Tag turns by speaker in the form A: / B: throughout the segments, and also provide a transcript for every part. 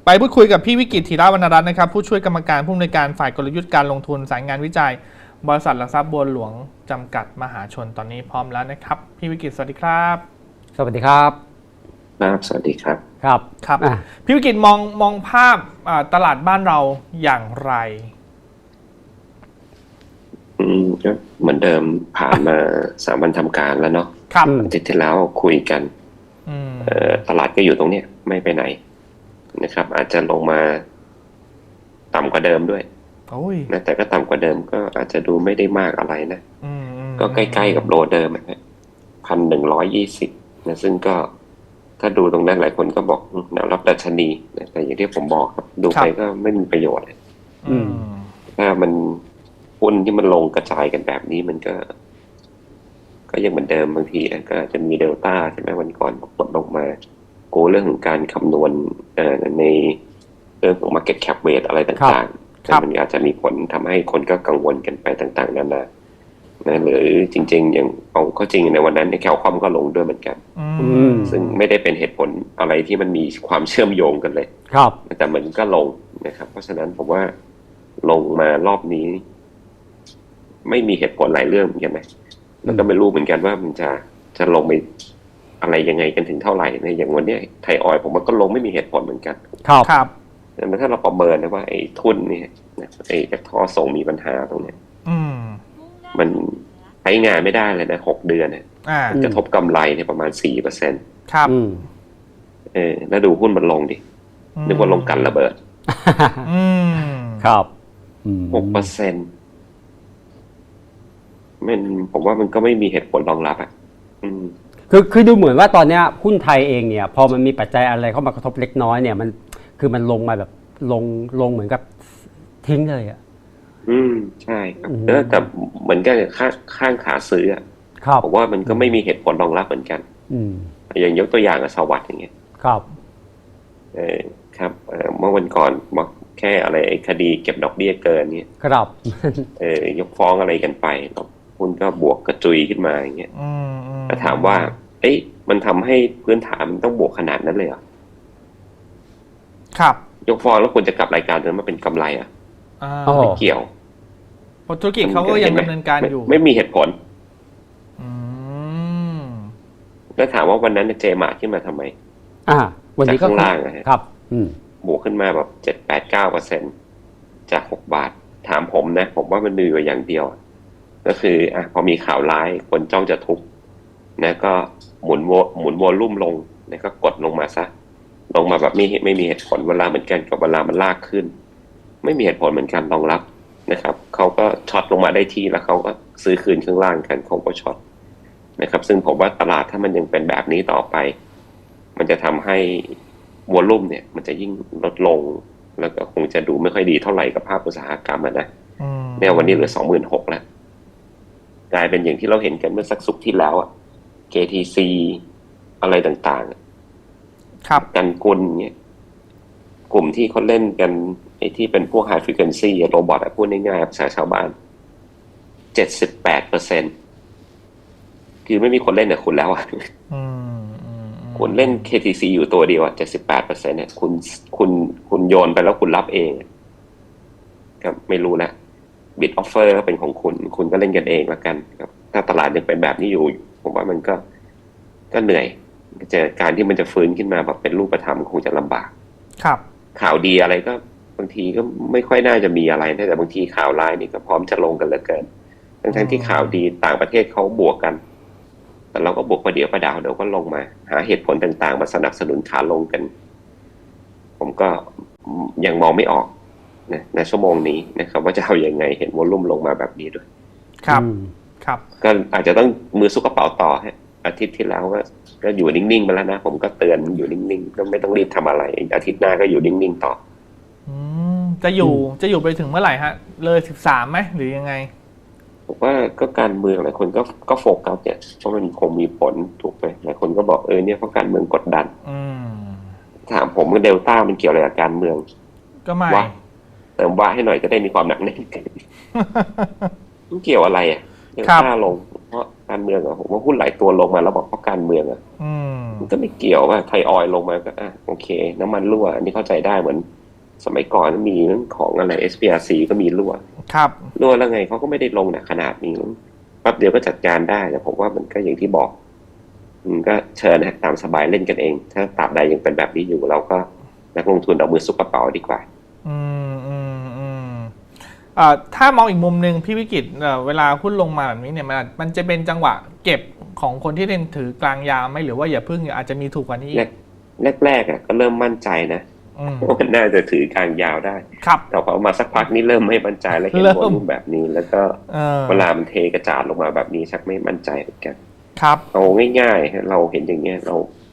A: ไปพูดคุยกับพี่วิกิต ธีระวรรณรัตน์นะครับผู้ช่วยกรรมการผู้อำนวยการฝ่ายกลยุทธ์การลงทุนสายงานวิจัยบริษัทหลักทรัพย์บัวหลวงจำกัดมหาชนตอนนี้พร้อมแล้วนะครับพี่วิกิตสวัสดีครับ
B: สวัสดีครับ
C: สวัสดีครับ
A: ครับพี่วิกิตมองภาพตลาดบ้านเราอย่างไร
C: ก็เหมือนเดิมผ่านมา3 วันทำการแล้วเนาะอาทิตย์ที่แล้วคุยกันตลาดก็อยู่ตรงนี้ไม่ไปไหนนะครับอาจจะลงมาต่ำกว่าเดิมด้วยนะแต่ก็ต่ำกว่าเดิมก็อาจจะดูไม่ได้มากอะไรนะก็ใกล้ๆกับโลเดิม1,120นะซึ่งก็ถ้าดูตรงนั้นหลายคนก็บอกแนวรับดัชนีนะแต่อย่างที่ผมบอกครับดูไปก็ไม่มีประโยชน์ถ้ามันหุ้นที่มันลงกระจายกันแบบนี้มันก็ยังเหมือนเดิมบางทีก็อาจจะมีเดลต้าใช่ไหมวันก่อนกดลงมาโกเรื่องของการคำนวณในเรื่องของ market cap weight อะไรต่างๆแต่มันอาจจะมีผลทำให้คนก็กังวลกันไปต่างๆนานานะหรือจริงๆอย่างเอาเข้าจริงในวันนั้นในแคลคอมก็ลงด้วยเหมือนกันซึ่งไม่ได้เป็นเหตุผลอะไรที่มันมีความเชื่อมโยงกันเลยแต่มันก็ลงนะครับเพราะฉะนั้นผมว่าลงมารอบนี้ไม่มีเหตุผลหลายเรื่องเหมือนกันนะแล้วก็ไม่รู้เหมือนกันว่ามันจะลงไปอะไรยังไงกันถึงเท่าไหร่ในอย่างวันนี้ไทยออยล์ผมว่าก็ลงไม่มีเหตุผลเหมือนกัน
A: ครับ
C: แต่ถ้าเราประเมินนะว่าไอ้ทุนนี่ไอ้ท่อส่งมีปัญหาตรงนี้มันใช้งานไม่ได้เลยนะ6 เดือนเนี่ยกระทบกำไรในประมาณ 4%
A: ครับ
C: แล้วดูหุ้นมันลงดินึกว่าลงกันระเบิด
B: ครับ
C: 6%ผมว่ามันก็ไม่มีเหตุผลรองรับ
B: คือดูเหมือนว่าตอนนี้หุ้นไทยเองเนี่ยพอมันมีปัจจัยอะไรเข้ามากระทบเล็กน้อยเนี่ยมันลงมาแบบลงเหมือนกับทิ้งเลย
C: ใช่ครับแต่เหมือนกันข้างขาซื้อผมว่ามันก็ไม่มีเหตุผลรองรับเหมือนกันอย่างยกตัวอย่างสวัสดิ์อย่างเงี้ย
B: ครับ
C: ครับเมื่อวันก่อนบอกแค่อะไรคดีเก็บดอกเบี้ยเกินเนี่ย
B: ครับ
C: ยกฟ้องอะไรกันไปหุ้นก็บวกกระจุยขึ้นมาอย่างเงี้ยแต่ถามว่ามันทำให้พื้นฐานมันต้องบวกขนาดนั้นเลยเหรอ
A: ครับ
C: ยกฟ้องแล้วคุณจะกลับรายการนั้นมาเป็นกำไรไม่เกี่ยว
A: เพราะธุรกิจเขาก็ยังดำเนินการอยู่
C: ไม่มีเหตุผลแล้วถามว่าวันนั้นเจมาร์ขึ้นมาทำไม
B: วันนี้ก็
C: ข้างล่าง
B: ครับ
C: บวกขึ้นมาแบบ 7-8-9% จาก6 บาทถามผมนะผมว่ามันมีอยู่อย่างเดียวก็คือพอมีข่าวร้ายคนจ้องจะทุบนะก็หมุนวอลลุ่มลงนะก็กดลงมาซะลงมาแบบไม่มีเหตุผลเวลาเหมือนกันกับเวลามันลากขึ้นไม่มีเหตุผลเหมือนกันรองรับนะครับเขาก็ช็อตลงมาได้ที่แล้วเขาก็ซื้อคืนข้างล่างกันเขาก็ช็อตนะครับซึ่งผมว่าตลาดถ้ามันยังเป็นแบบนี้ต่อไปมันจะทำให้วอลลุ่มเนี่ยมันจะยิ่งลดลงแล้วก็คงจะดูไม่ค่อยดีเท่าไหร่กับภาพอุตสาหกรรมนะเนี่ยวันนี้เหลือ 26,000 แล้วกลายเป็นอย่างที่เราเห็นกันเมื่อสักศุกร์ที่แล้วKTC อะไรต่าง
A: ๆครับ
C: กันกุลเนี่ยกลุ่มที่เขาเล่นกันไอ้ที่เป็นพวก high frequency โรบอทพูดง่ายๆภาษาชาวบ้าน 78% คือไม่มีคนเล่นกับคุณแล้วคุณเล่น KTC อยู่ตัวเดียว78% เนี่ยคุณโยนไปแล้วคุณรับเองก็ไม่รู้นะบิดออฟเฟอร์ก็เป็นของคุณก็เล่นกันเองแล้วกันครับถ้าตลาดยังเป็นแบบนี้อยู่ผมว่ามันก็เหนื่อยการที่มันจะฟื้นขึ้นมาแบบเป็นรูปธรรมคงจะลำบาก
A: ครับ
C: ข่าวดีอะไรก็บางทีก็ไม่ค่อยน่าจะมีอะไรแต่บางทีข่าวร้ายนี่ก็พร้อมจะลงกันเหลือเกินทั้งที่ข่าวดีต่างประเทศเขาบวกกันแต่เราก็บวกประเดี๋ยวประดาวเดี๋ยวก็ลงมาหาเหตุผลต่างๆมาสนับสนุนขาลงกันผมก็ยังมองไม่ออกในชั่วโมงนี้นะครับว่าจะเอาอย่างไงเห็นวอลลุ่มลงมาแบบนี้ด้วย
A: ครับ
C: ก็อาจจะต้องมือซุกกระเป๋าต่ออาทิตย์ที่แล้วก็อยู่นิ่งๆไปแล้วนะผมก็เตือนอยู่นิ่งๆก็ไม่ต้องรีบทำอะไรอาทิตย์หน้าก็อยู่นิ่งๆต่อ
A: จะอยู่ไปถึงเมื่อไหร่ฮะเลย13ไหมหรือยังไง
C: ผมว่าก็การเมืองหลายคนก็โฟกัสเนี่ยเพราะมันคงมีผลถูกไหมหลายคนก็บอกเนี่ยเพราะการเมืองกดดันถามผมว่าเดลต้ามันเกี่ยวอะไรกับการเมือง
A: ก็ไม่
C: เติมว่าให้หน่อยจะได้มีความหนักแน่นกันมันเกี่ยวอะไรเดลต้าลงเพราะการเมืองอะผมว่าหุ้นหลายตัวลงมาแล้วบอกเพราะการเมืองอะ
A: อืม
C: มันก็ไม่เกี่ยวว่าไทยออยล์ลงมาก็โอเค น้ำมันรั่วอันนี้เข้าใจได้เหมือนสมัยก่อนมีเรื่องของอะไร SPRC ก็มีรั่ว
A: ครับ
C: รั่วแล้วไงเขาก็ไม่ได้ลงหนักขนาดนี้แป๊บเดียวก็จัดการได้แต่ผมว่ามันก็อย่างที่บอกก็เชิญนะตามสบายเล่นกันเอง ถ้าตราบใดยังเป็นแบบนี้อยู่เราก็นักลงทุนเอามือซุกกระเป๋าดีกว่า
A: อืมอืมอืมถ้ามองอีกมุมหนึ่งพี่วิกิตเวลาหุ้นลงมาแบบนี้เนี่ยมันจะเป็นจังหวะเก็บของคนที่เล่นถือกลางยาวไหมหรือว่าอย่าพึ่งอาจจะมีถูกกว่านี้
C: แรกๆก็เริ่มมั่นใจนะว่ามันน่าจะถือกลางยาวได้
A: ครับ
C: แต่พอมาสักพักนี้เริ่มไม่มั่นใจแล้วเห็นวอลุ่มแบบนี้ แล้วก็เวลามันเทกระจาดลงมาแบบนี้ชักไม่มั่นใจเหมือนกัน
A: ครับ
C: เอาง่ายๆเราเห็นอย่างเงี้ยเรา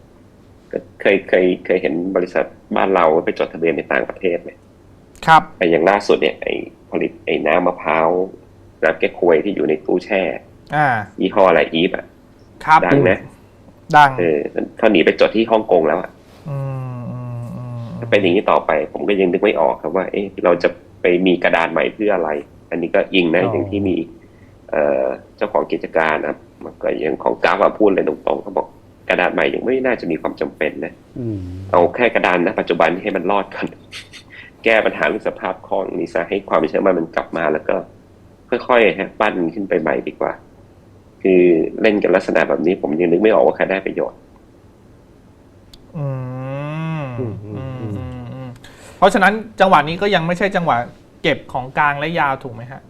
C: เคยเห็นบริษัทบ้านเราไปจดทะเบียนในต่างประเทศไหม
A: ครับ
C: ไอ้อย่างล่าสุดเนี่ยไอ้ผลิตไอ้น้ำมะพร้าวน้ำแก้ควยที่อยู่ในตู้แช่ยี่ห้ออะไรอีฟอ่ะ
A: ครับ
C: ดังนะ
A: ดัง
C: เขาหนีไปจดที่ฮ่องกงแล้วอ่ะถ้าเป็นอย่างนี้ต่อไปผมก็ยังนึกไม่ออกครับว่าเราจะไปมีกระดานใหม่เพื่ออะไร อันนี้ก็อิงนะอย่างที่มีเจ้าของกิจการนะครับก็อย่างของกราฟพูดเลยตรงๆเขาบอกกระดานใหม่ยังไม่น่าจะมีความจำเป็นนะเอาแค่กระดานนะปัจจุบันให้มันรอดก่อนแก้ปัญหาเรื่องสภาพคล่องนี้ซะให้ความเชื่อมั่นมันกลับมาแล้วก็ค่อยๆปั้นขึ้นไปใหม่ดีกว่าคือเล่นกันลักษณะแบบนี้ผมยังนึกไม่ออกว่าใครได้ประโยชน์
A: เพราะฉะนั้นจังหวะนี้ก็ยังไม่ใช่จังหวะเก็บของกลางและยาวถูกไหมฮะ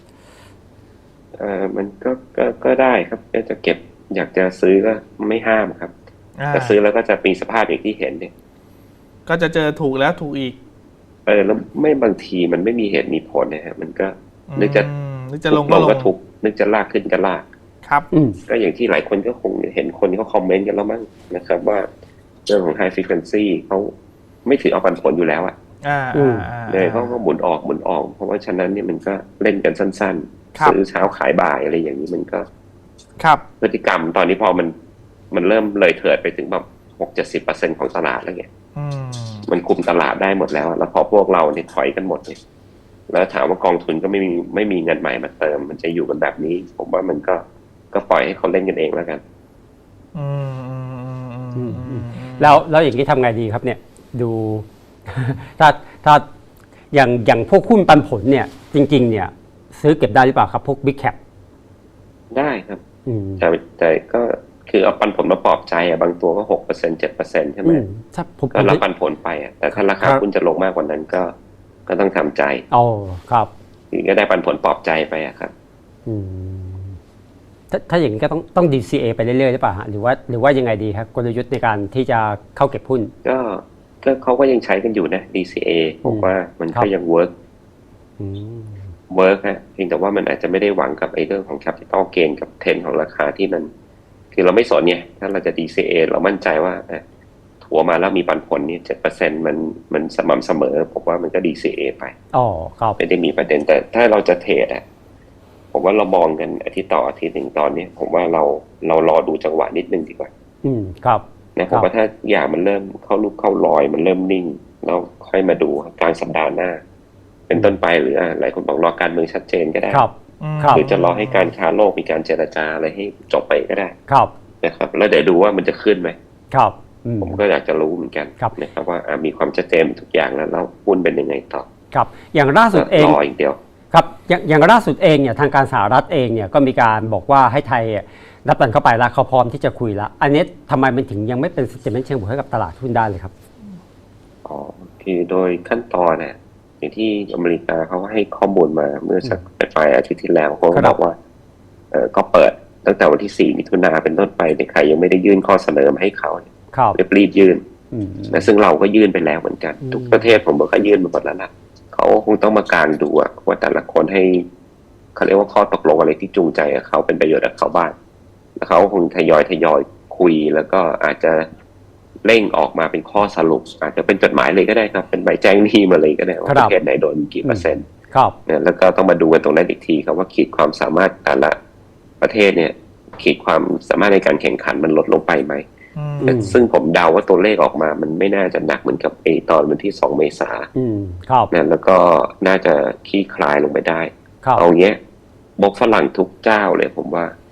C: มันก็ได้ครับก็จะเก็บอยากจะซื้อก็ไม่ห้ามครับแต่ซื้อแล้วก็จะมีสภาพอย่างที่เห็นเนี่ย
A: ก็จะเจอถูกแล้วถูกอีก
C: แล้วไม่บางทีมันไม่มีเหตุมีผลนะฮะมันก็นึกจะ
A: ลงก็
C: ทุกนึกจะลากขึ้นก็ลาก
A: ครับ
C: ก็อย่างที่หลายคนก็คงเห็นคนเขาคอมเมนต์กันแล้วมั้งนะครับว่าเรื่องของ high frequency เขาไม่ถือเอาปันผลอยู่แล้วอ่ะเลยเขาก็หมุนออกเพราะว่าฉะนั้นเนี่ยมันก็เล่นกันสั้นๆซื้อเช้าขายบ่ายอะไรอย่างนี้มันก็พฤติกรรมตอนนี้พอมันเริ่มเลยเถิดไปถึงแบบ60-70%ของตลาดแล้วเนี่ยมันคุมตลาดได้หมดแล้วแล้วพอพวกเราเนี่ยถอยกันหมดเนี่ยแล้วถามว่ากองทุนก็ไม่มีเงินใหม่มาเติมมันจะอยู่กันแบบนี้ผมว่ามันก็ปล่อยให้เขาเล่นกันเองแล้วกัน
B: แล้วอย่างนี้ทำไงดีครับเนี่ยดูถ้าอย่างพวกหุ้นปันผลเนี่ยจริงๆเนี่ยซื้อเก็บได้หรือเปล่าครับพวก Big Cap
C: ได้ครับแต่ก็คือเอาปันผลมาปลอบใจบางตัวก็ 6% 7% ใช่ไหมก็รับปันผลไปแต่ถ้าราคาหุ้นจะลงมากกว่านั้นก็ต้องทำใจ
B: ครับ
C: ก็ได้ปันผลปลอบใจไปครับ
B: ถ้าอย่างนี้ก็ต้อง DCA ไปเรื่อยๆหรือเปล่าหรือว่ายังไงดีครับกลยุทธ์ในการที่จะเข้าเก็บหุ้น
C: ก็เขาก็ยังใช้กันอยู่นะ DCA ผมว่ามันก็ยังเวิร์กฮะเพียงแต่ว่ามันอาจจะไม่ได้หวังกับไอ้เรื่องของ capital gain กับเทรนของราคาที่มันคือเราไม่สนเนี่ยถ้าเราจะ DCA เรามั่นใจว่าถัวมาแล้วมีปันผลนี่ 7% มันสม่ำเสมอผมว่ามันก็ DCA ไป
B: ครับ
C: ไม่ได้มีประเด็นแต่ถ้าเราจะเทรดผมว่าเรามองกันอาทิตย์ต่ออาทิตย์หนึ่งตอนนี้ผมว่าเรารอดูจังหวะนิดนึงดีกว่า
B: ครับ
C: นะผมว่าถ้าอย่างมันเริ่มเข้าลุกเข้ารอยมันเริ่มนิ่งแล้วค่อยมาดูกลางสัปดาห์หน้าเป็นต้นไปหรือหลายคนบอกรอการเมืองชัดเจนก็ได้หรือจะรอให้การค้าโลกมีการเจรจาอะไรให้จบไปก็ได้นะครับแล้วเดี๋ยวดูว่ามันจะขึ้นไหมผมก็อยากจะรู้เหมือนกันนะครับว่ามีความชัดเจนทุกอย่างแล้วหุ้นเป็นยังไงต่อ
B: ครับอย่างล่าสุดเอง
C: รออีกเดียว
B: ครับอย่างล่าสุดเองเนี่ยทางการสหรัฐเองเนี่ยก็มีการบอกว่าให้ไทยรับตันเข้าไปแล้วเขาพร้อมที่จะคุยแล้วอันนี้ทำไมมันถึงยังไม่เป็น sentiment เชิงบวกให้กับตลาดหุ้นได้เลยครับ
C: คือโดยขั้นตอนเนี่ยอย่างที่อเมริกาเขาให้ข้อมูลมาเมื่อสักปลายอาทิตย์ที่แล้วเขาบอกว่าก็เปิดตั้งแต่วันที่4 มิถุนายนเป็นต้นไปในใครยังไม่ได้ยื่นข้อเสนอมาให้เขารีบยื่นและซึ่งเราก็ยื่นไปแล้วเหมือนกันทุกประเทศผมก็ยื่นมาหมดแล้วล่ะเขาคงต้องมากางดูว่าแต่ละคนให้เขาเรียกว่าข้อตกลงอะไรที่จูงใจกับเขาเป็นประโยชน์กับเขาบ้างแล้วเขาคงทยอยคุยแล้วก็อาจจะเร่งออกมาเป็นข้อสรุปอาจจะเป็นจดหมายเลยก็ได้ครับเป็นใบแจ้งหนี้มาเลยก็ได้ว่าประเทศไหนโดนกี่เปอร์เซ็นต์แล้วก็ต้องมาดูกันตรงนั้นอีกทีครับว่าขีดความสามารถแต่ละประเทศเนี่ยขีดความสามารถในการแข่งขันมันลดลงไปไหมซึ่งผมเดาว่าตัวเลขออกมามันไม่น่าจะหนักเหมือนกับตอนวันที่2 เมษายนแล้วก็น่าจะคลี่คลายลงไปได้เอาเงี้ยบกฝรั่งทุกเจ้าเลยผมว่า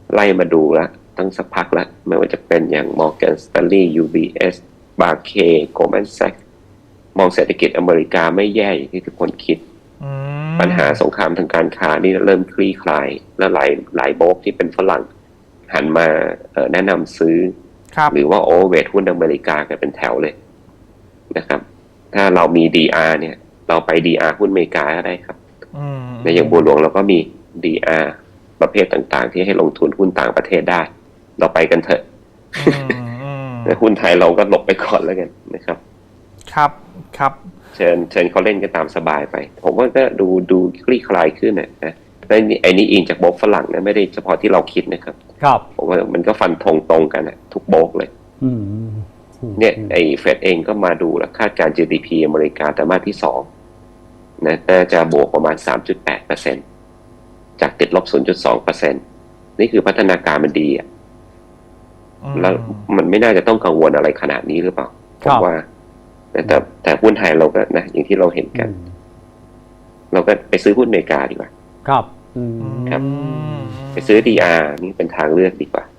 C: ไล่มาดูแล้วตั้งสักพักแล้วไม่ว่าจะเป็นอย่าง Morgan Stanley UBS Barclays Goldman Sachs มองเศรษฐกิจอเมริกาไม่แย่อย่างที่ทุกคนคิดปัญหาสงครามทางการค้านี่เริ่มคลี่คลายและหลายโบรกที่เป็นฝรั่งหันมาแนะนำซื้อหรือว่าโอเวอร์เวทหุ้นอเมริกากันเป็นแถวเลยนะครับถ้าเรามี DR เนี่ยเราไป DR หุ้นอเมริกาก็ได้ครับในอย่างบัวหลวงเราก็มี DR ประเภทต่างๆที่ให้ลงทุนหุ้นต่างประเทศได้เราไปกันเถอะแต่หุ้นไทยเราก็หลบไปก่อนแล้วกันนะครับ
A: ครับ
C: เชิญเขาเล่นกันตามสบายไปผมว่าก็ดูคลี่คลายขึ้นนะไอ้นี่อิงจากโบรกฝรั่งนะไม่ได้เฉพาะที่เราคิดนะครับผมว่ามันก็ฟันธงตรงกันนะทุกโบรกเลยเนี่ยไอ้เฟดเองก็มาดูแล้วคาดการ GDP อเมริกาไตรมาสที่2นะน่าจะบวกประมาณ 3.8% จากติดลบ 0.2% นี่คือพัฒนาการมันดีแล้วมันไม่น่าจะต้องกังวลอะไรขนาดนี้หรือเปล่าผมว่าแต่หุ้นไทยเราก็นะอย่างที่เราเห็นกันเราก็ไปซื้อหุ้นอเมริกาดีกว่า
B: ครับ
C: ไปซื้อ DR นี่เป็นทางเลือกดีกว่า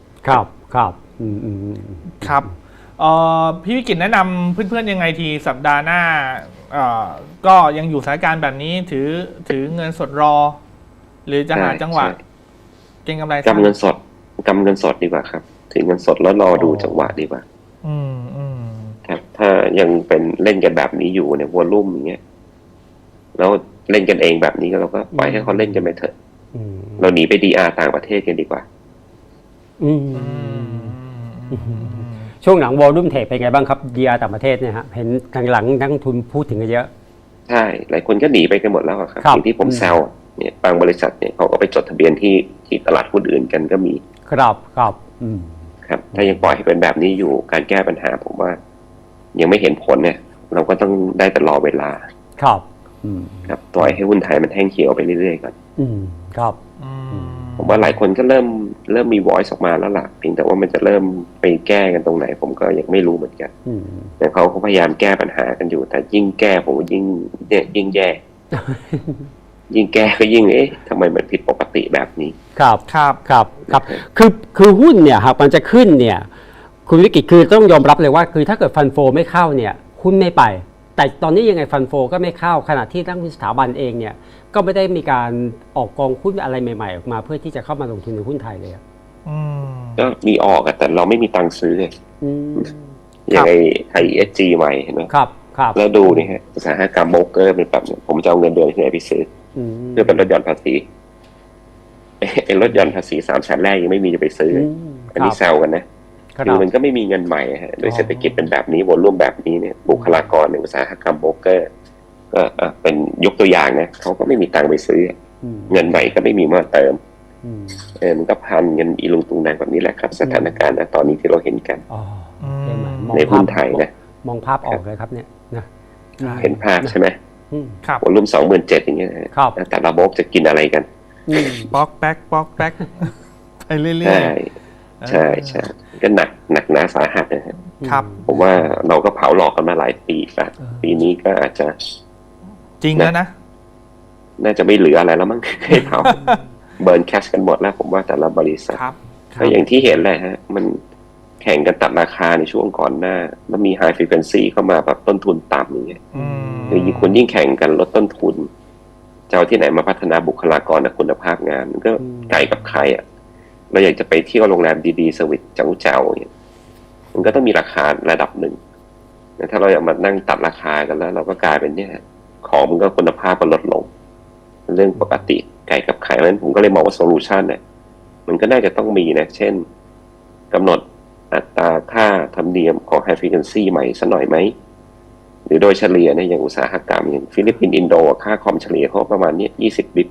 A: ครับพี่วิกิตแนะนำเพื่อนๆยังไงทีสัปดาห์หน้าก็ยังอยู่สถานการณ์แบบนี้ถือเงินสดรอหรือจะหาจังหวะเก็งกำไร
C: กำเงินสดดีกว่าครับถือเงินสดแล้วรอดูจังหวะดีกว่าครับถ้ายังเป็นเล่นกันแบบนี้อยู่เนี่ยวอลลุ่มอย่างเงี้ยแล้วเล่นกันเองแบบนี้เราก็ปล่อยให้เขาเล่นกันไปเถอะเราหนีไป DR ต่างประเทศกันดีกว่า
B: ช่วงหลังวอลลุ่มเทคเป็นไงบ้างครับ DR ต่างประเทศเนี่ยฮะเห็นทางหลังนักทุนพูดถึงกันเยอะ
C: ใช่หลายคนก็หนีไปกันหมดแล้วครับอย่างที่ผมแซวเนี่ยบางบริษัทเนี่ยเขาก็ไปจดทะเบียนที่ตลาดหุ้นอื่นกันก็มี
B: ครับ
C: ถ้ายังปล่อยให้เป็นแบบนี้อยู่การแก้ปัญหาผมว่ายังไม่เห็นผลเนี่ยเราก็ต้องได้แต่รอเวลาครับปล่อยให้หุ้นไทยมันแห้งเขียวไปเรื่อยๆก่อน
B: ครับ
C: ผมว่าหลายคนก็เริ่มมี voice ออกมาแล้วล่ะเพียงแต่ว่ามันจะเริ่มไปแก้กันตรงไหนผมก็ยังไม่รู้เหมือนกันแต่เขาพยายามแก้ปัญหากันอยู่แต่ยิ่งแก้ผมยิ่งแย่ยิ่งแก้ก็ยิ่งทำไมมันผิดปกติแบบนี้
B: ครับคือหุ้นเนี่ยหากมันจะขึ้นเนี่ยคุณวิกิตคือต้องยอมรับเลยว่าคือถ้าเกิดฟันโฟไม่เข้าเนี่ยหุ้นไม่ไปแต่ตอนนี้ยังไงฟันโฟก็ไม่เข้าขณะที่นักลงทุนสถาบันเองเนี่ยก็ไม่ได้มีการออกกองหุ้นอะไรใหม่ๆออกมาเพื่อที่จะเข้ามาลงทุนในหุ้นไทยเลย
C: ก็มีออกแต่เราไม่มีตังค์ซื้อเลยอย่างไอ้ ESG ใหม่เห็นไหม
B: ครับ
C: แล้วดูนี่ฮะอุตสาหกรรมโบรกเกอร์เป็นแบบผมจะเอาเงินเดือนที่ไหนไปซื้อเพื่อเป็นลดหย่อนภาษีลดหย่อนภาษี3 ชั้นแรกยังไม่มีจะไปซื้ออันนี้แซวกันนะคือมันก็ไม่มีเงินใหม่ฮะโดยเศรษฐกิจเป็นแบบนี้วอลลุ่มแบบนี้เนี่ยบุคลากรในอุตสาหกรรมโบรกเกอร์ก็เป็นยกตัวอย่างนะเขาก็ไม่มีตังค์ไปซื้อเงินใหม่ก็ไม่มีมาเติมมันก็พันเงินอีลุงตุงนางแบบนี้แหละครับสถานการณ์ตอนนี้ที่เราเห็นกันในหุ้นไทยนะ
B: มองภาพออกเลยครับเนี่ยนะ
C: เห็นภาพใช่ไหมวอลลุ่ม 27,000 อย่างเงี้ยแต่ละโบรกจะกินอะไรกัน
A: ป๊อกแป๊กไปเรื่อย
C: ๆใช่ก็หนักหนาสาหัสนะครับผมว่าเราก็เผาหลอกกันมาหลายปีแล้วปีนี้ก็อาจจะ
A: จริงแล้วนะ
C: น่าจะไม่เหลืออะไรแล้วมั้งให้เผาเบิร์นแคชกันหมดแล้วผมว่าแต่ละบริษัทก็อย่างที่เห็นเลยฮะมันแข่งกันตัดราคาในช่วงก่อนหน้าแล้วมี high frequency เข้ามาแบบต้นทุนต่ำอย่างเงี้ยคือคุณยิ่งแข่งกันลดต้นทุนจะเอาที่ไหนมาพัฒนาบุคลากรและคุณภาพงานมันก็ไกลกับใครเราอยากจะไปเที่ยวโรงแรมดีๆเซอร์วิสเจ้าอย่างเงี้ยมันก็ต้องมีราคาระดับหนึ่งถ้าเราอยากมานั่งตัดราคากันแล้วเราก็กลายเป็นเนี่ยของมันก็คุณภาพมันลดลงเรื่องปกติไกลกับใครเพราะฉะนั้นผมก็เลยมองว่าโซลูชันเนี่ยมันก็น่าจะต้องมีนะเช่นกำหนดอัตราค่าธรรมเนียมของ High Frequency ใหม่สักหน่อยไหมหรือโดยเฉลี่ยเนี่ยอย่างอุตสาหกรรมอย่างฟิลิปปินส์อินโดค่าคอมเฉลี่ยเขาประมาณนี้20 บิป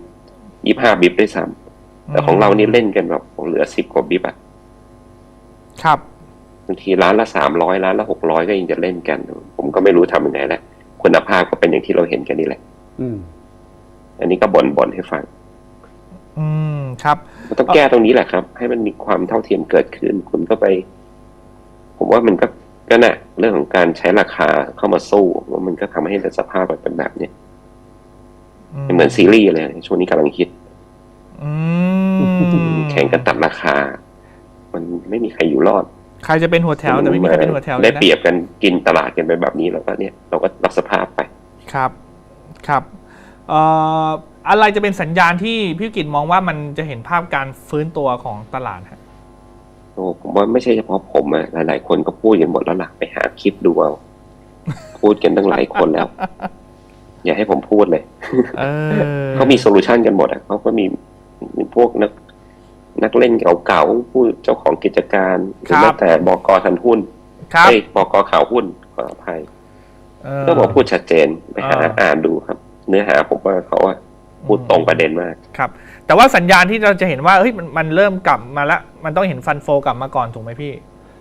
C: 25 บิปด้วยซ้ำแต่ของเรานี่เล่นกันแบบเหลือ10 กว่าบิป
A: ครับ
C: บางทีร้านละ300ร้านละ600ก็ยังจะเล่นกันผมก็ไม่รู้ทำยังไงแหละคุณภาพก็เป็นอย่างที่เราเห็นกันนี่แหละอันนี้ก็บ่นให้ฟัง
A: ครับ
C: ต้องแก้ตรงนี้แหละครับให้มันมีความเท่าเทียมเกิดขึ้นคุณก็ไปผมว่ามันก็น่ะเรื่องของการใช้ราคาเข้ามาสู้ว่ามันก็ทำให้สภาพเป็นแบบนี้เหมือนซีรีส์เลยช่วงนี้กำลังฮิตแข่งกันตัดราคา มันไม่มีใครอยู่รอด
A: ใครจะเป็นหัวแถวแต่ไม่มีใครเป็นหัวแถวเลย
C: ได้
A: นะ
C: เปรียบกันกินตลาดกันไปแบบนี้แล้วก็เนี่ยเราก็รับสภาพไป
A: ครับครับอะไรจะเป็นสัญญาณที่พี่กิตมองว่ามันจะเห็นภาพการฟื้นตัวของตลาดฮะ
C: โอ้ผมว่าไม่ใช่เฉพาะผมอะหลายๆคนก็พูดกันหมดแล้วล่ะไปหาคลิปดูเอา พูดกันตั้งหลายคนแล้ว อย่าให้ผมพูดเลย เขามีโซลูชันกันหมดอ่ะเขาก็มีพวกนักเล่นเก่าๆผู้เจ้าของกิจการหรือแม้แต่บก.ทันหุ้นบก.ข่าวหุ้นขออภัยก็บอกพูดชัดเจนไปหาอ่านดูครับ เนื้อหาผมว่าเขาพูดตรงประเด็นมาก
A: ครับแต่ว่าสัญญาณที่เราจะเห็นว่าเฮ้ยมันเริ่มกลับมาแล้วมันต้องเห็นฟันโฟกลับมาก่อนถูกไหมพี่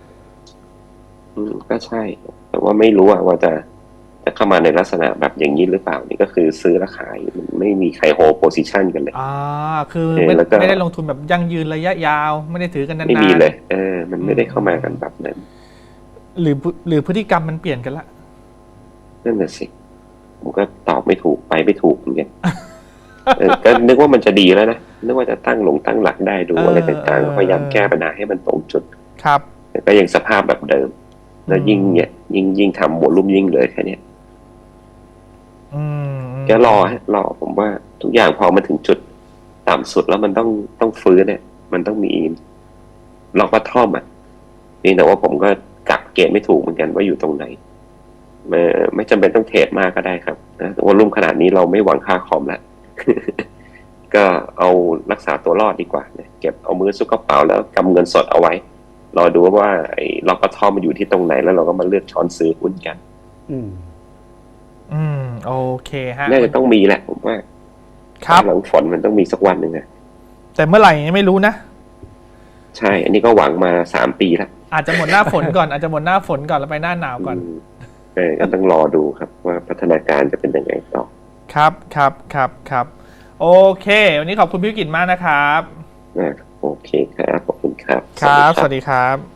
C: ก็ใช่แต่ว่าไม่รู้ว่าจะเข้ามาในลักษณะแบบอย่างนี้หรือเปล่านี่ก็คือซื้อและขายมันไม่มีใครโฮโพซิชันกันเลย
A: คือไม่ได้ลงทุนแบบยั่งยืนระยะยาวไม่ได้ถือกันนานๆ
C: ไม่มีเลยมันไม่ได้เข้ามากันแบบนั้น
A: หรือพฤติกรรมมันเปลี่ยนกันละ
C: นั่นน่ะสิผมก็ตอบไม่ถูกไปไม่ถูกเหมือนกันก็นึกว่ามันจะดีแล้วนะนึกว่าจะตั้งหลักได้ดูอะไรต่างๆพยายามแก้ปัญหาให้มันตรงจุด
A: ครับ
C: แต่ก็ยังสภาพแบบเดิมแล้วยิ่งทำวอลุ่มยิ่งเลยแค่นี้ก็รอผมว่าทุกอย่างพอมาถึงจุดต่ำสุดแล้วมันต้องฟื้นเนี่ยมันต้องมีล็อกวัตทอมนี่แต่ว่าผมก็กักเกณฑ์ไม่ถูกเหมือนกันว่าอยู่ตรงไหนไม่จำเป็นต้องเทรดมากก็ได้ครับนะวอลุ่มขนาดนี้เราไม่หวังค่าคอมแล้ว ก็เอารักษาตัวรอดดีกว่าเนี่ยเก็บเอามือซุกกระเป๋าแล้วกำเงินสดเอาไว้รอดูว่าไอ้ล็อกวัตทอมมันอยู่ที่ตรงไหนแล้วเราก็มาเลือกช้อนซื้อหุ้นกัน
A: โอเคฮะ
C: น่าจะต้องมีแหละผมว่า
A: ครับ
C: หลังฝนมันต้องมีสักวันหนึ่ง
A: แต่เมื่อไหร่ไม่รู้นะ
C: ใช่อันนี้ก็หวังมา3 ปีแล้ว
A: อาจจะหมดหน้าฝนก่อนอาจจะหมดหน้าฝนก่อนแล้วไปหน้าหนาวก่อน
C: ก็ต้องรอดูครับว่าพัฒนาการจะเป็นยังไงต่อ
A: ครับโอเควันนี้ขอบคุณพี่กิตมากนะครับ
C: โอเคครับขอบคุณครับ
A: ครับสวัสดีครับ